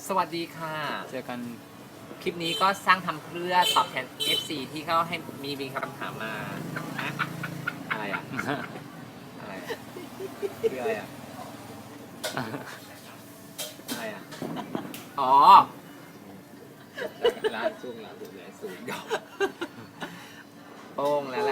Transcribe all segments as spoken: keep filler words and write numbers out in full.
สวัสดีค่ะเจอกันคลิปนี้ก็สร้างทำเพื่อตอบแทน เอฟ ซี ที่เขาให้มีมีคำถามมาอะอะไรอ่ะ อะไรอะคืออะไรอ่ะ อะไรอ่ะ อ๋อร้านซุ่งร้านสูงเลยสูงยาวโป้งแล้วแหละ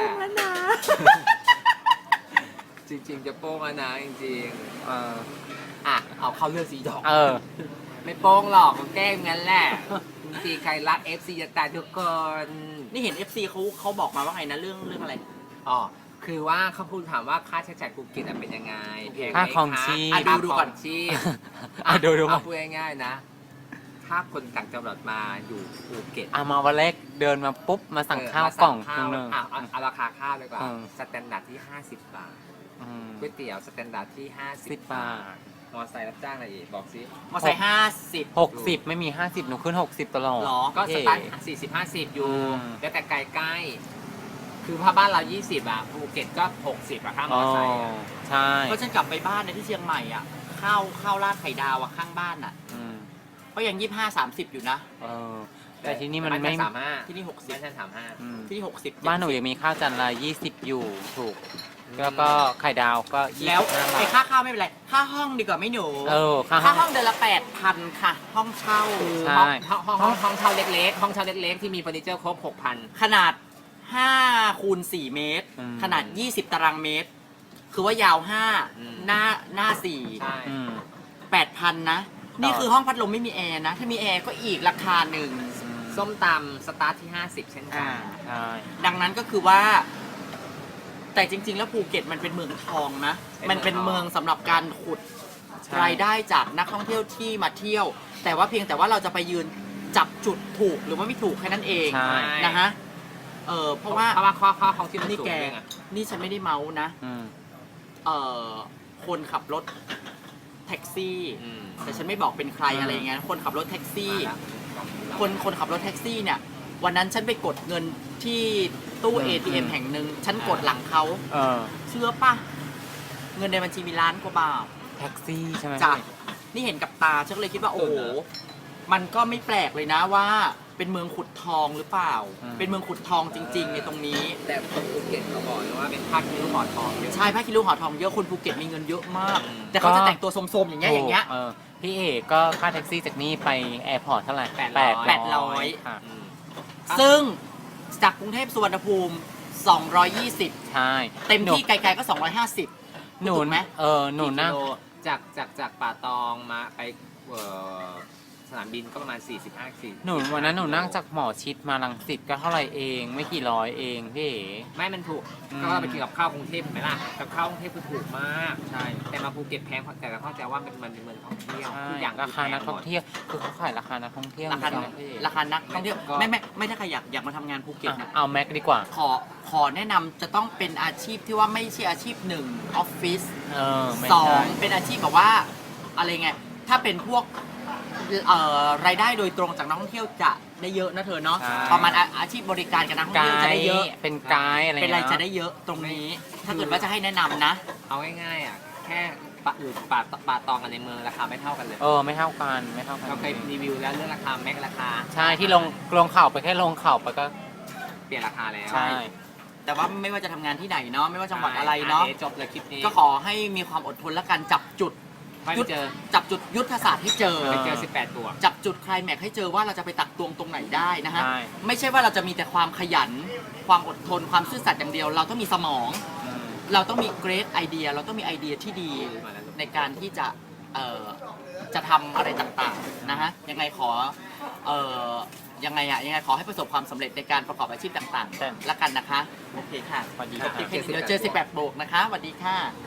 จริงๆจะโป้งแล้วนะจริงๆเอออ่ะเอาเข้าเรื่องสีดอกเออไม่โป้งหรอกมันแกล้งงั้นแหละจริงๆใครรัก เอฟ ซี จะตายทุกคนนี่เห็น เอฟ ซี เขาเขาบอกมาว่าไงนะเรื่องเรื่องอะไรอ๋อคือว่าเขาพูดถามว่าค่าใช้จ่ายภูเก็ตอะเป็นยังไงแพงไหมค่าครองชีพอ่ะดูดูดูดูก่ก่ออน นชีพอ่ะดูดูเอาพูดง่ายๆนะ ถ้าคนต่างจังหวัดมาอยู่ภูเก็ตอ่ะมาวันแรกเดินมาปุ๊บมาสั่งเออข้าวมกล่องข้าวหนึงอ่ะเอาเอาราคาข้าวดีกว่าเออสแตนดาร์ดที่ห้าสิบบาทอืมก๋วยเตี๋ยวสแตนดาร์ดที่ห้าสิสิบบบาบาททมอไซค์รับจ้างอะไรอีกบอกสิมอไซค์ห้าสิบหกสิบไม่มีห้าสิบหนูขึ้นหกสิบตลอดหรอก็สเท่ตาร์ทสี่สิบห้าสิบอยู่อืมแล้วแต่ไกลใกล้คือถ้าบ้านเรายี่สิบอ่ะภูเก็ตก็หกสิบอ่ะค่ามอ๋ออไซค์อะใช่ก็ฉันกลับไปบ้านในที่เชียงใหม่อ่ะข้าวข้าวราดไข่ดาวอ่ะข้างบ้านอ่ะอืมก็ยังยี่ห้าสามสิบอยู่นะเออแต่ที่นี่มันบ้าไม่ฉัสามห้าที่นี่หกสิบบ้านฉันสามห้าอืมที่นี่หกสิบบ้านหนูยังมีข้าวจานละยี่สิบอยู่ถูก แล้วก็ไข่ดาวก็ยี่แล้วสิบห้าบาไอ้ทค่าข้าวไม่เป็นไร ค่าห้องดีกว่าไม่หนูเออค่าห้ค่าองห้องเดือนละแปดพันค่ะ ห้องเช่าใช่ห้องห้องห้องห้องเช่าเล็กๆ ห้องเช่าเล็กๆ ที่มีเฟอร์นิเจอร์ครบหกพันขนาดห้าคูณสี่เมตรอืมขนาดยี่สิบตารางเมตร คือว่ายาวห้าหน้าหน้าสี่ใช่อืมแปดพันนะ นี่คือห้องพัดลมไม่มีแอร์นะ ถ้ามีแอร์ก็อีกราคาหนึ่งส้มตำสตาร์ทที่ห้าสิบเช่นกัอ่านใช่ดังนั้นก็คือว่า แต่จริง ๆ แล้วภูเก็ตมันเป็นเมืองทองนะ มันเป็นเมืองสำหรับการขุดใช่รายได้จากนักท่องเที่ยวที่มาเที่ยว แต่ว่าเพียงแต่ว่าเราจะไปยืนจับจุดถูกหรือว่าไม่ถูกแค่นั้นเองใช่นะฮะเออเพราะว่าเพราะว่าข้อข้อของที่มันนี่สูงแกด้วยไงนี่ฉันไม่ได้เมาส์นะอืมเออคนขับรถแท็กซี่อืมแต่ฉันไม่บอกเป็นใครอืมอะไรอย่างเงี้ยคนขับรถแท็กซี่มาละคนคนขับรถแท็กซี่เนี่ย วันนั้นฉันไปกดเงินที่ตู้ เอ ที เอ็ม แห่งหนึ่งฉันกดหลังเขาเออเชื่อปะเงินในบัญชีมีล้านกว่าบาทแท็กซี่ใช่ไหมจ้ะนี่เห็นกับตาฉันก็เลยคิดว่าโอ้โหมันก็ไม่แปลกเลยนะว่าเป็นเมืองขุดทองหรือเปล่า เป็นเมืองขุดทองจริง ๆ ในตรงนี้แต่คนภูเก็ตเขาบอกเลยว่าเป็นภาคคิ้วหอทองเยอะใช่พระคิริวหอทองเยอะคนภูเก็ตมีเงินเยอะมากอืมแต่เขาจะแต่งตัวสมๆอย่างเงี้ยอย่างเงี้ยเออพี่เอกก็ค่าแท็กซี่จากนี่ไปแอร์พอร์ตเท่าไหร่แปดร้อยแปดร้อยค่ะอืมซึ่งจากกรุงเทพสุวรรณภูมิสองร้อยยี่สิบใช่เต็มที่หนูไกลๆก็สองร้อยห้าสิบหนูถูกไหมเออหนูนั่งกี่กิโลจากจากจากป่าตองมาไปเอ่อสนามบินก็ประมาณสี่สิบห้าสี่หนูวันนั้นหนูนั่งจากหมอชิดมาลังสิตก็เท่าไหร่เองไม่กี่ร้อยเองพี่เอ๋ไม่มันถูกอืมก็เราไปกินกับข้าวกรุงเทพเห็นไหมล่ะกับข้าวกรุงเทพคือถูกมากใช่แต่มาภูเก็ตแพงเพราะแต่เราเข้าใจว่ามันมันเป็นเมืองท่องเที่ยวใช่ทุกอย่างราคานักท่องเที่ยวคือเขาขายราคานักท่องเที่ยวราคาจงๆนะพี่เอ๋ราคานักท่องเที่ยวไม่ไม่ไม่ถ้าใครอยากอยากมาทำงานภูเก็ตอ่ะนะเอาแม็กดีกว่าขอขอแนะนำจะต้องเป็นอาชีพที่ว่าไม่ใช่อาชีพหนึ่งออฟฟิศเออไม่สองใช่เป็นอาชีพแบบว่าอะไรไงถ้าเป็นพวกเอ่อรายได้โดยตรงจากนักท่องเที่ยวจะได้เยอะนะเธอเนาะใช่ประมาณอาอาชีพบริการกับนักท่องไกเที่ยวจะได้เยอะด์เป็นไกด์อะไรเป็นอะไรงี้ยจะได้เยอะตรงนี้ ถ้าเกิดว่าจะให้แนะนำนะเอาง่ายๆอ่ะแค่ปะอยู่ป่าป่าตองกันในเมืองราคาไม่เท่ากันเลยเออไม่เท่ากันไม่เท่ากันเราเคยรีวิวแล้วเรื่องราคาแม็กราคาใช่ที่ลงลงเข่าไปแค่ลงเข่าไปก็เปลี่ยนราคาแล้วใช่แต่ว่าไม่ว่าจะทำงานที่ไหนเนาะไม่ว่าจังหวัดอะไรเนาะดี๋ยวจบเลยคลิปนี้ก็ขอให้มีความอดทนและการจับจุดไม่เจอจับจุดยุทธศาสตร์ให้เจอไปเจอสิบแปดตัวจับจุดไคลแม็กซ์ให้เจอว่าเราจะไปตักตวงตรงไหนได้นะฮะใช่ไม่ใช่ว่าเราจะมีแต่ความขยัน ความอดทน ความซื่อสัตย์อย่างเดียว เราต้องมีสมองอืมเราต้องมีเกรดไอเดีย เราต้องมีไอเดียที่ดีในการที่จะเอ่อจะทำอะไรต่างๆนะฮะ ยังไงขอเอ่อยังไงอะยังไงขอให้ประสบความสำเร็จในการประกอบอาชีพต่างใช่ๆ แล้วกันนะคะ โอเคค่ะสวัสดีโอค่ะเคเดี๋ยวเจอสิบแปดโบกนะคะสวัสดีค่ะ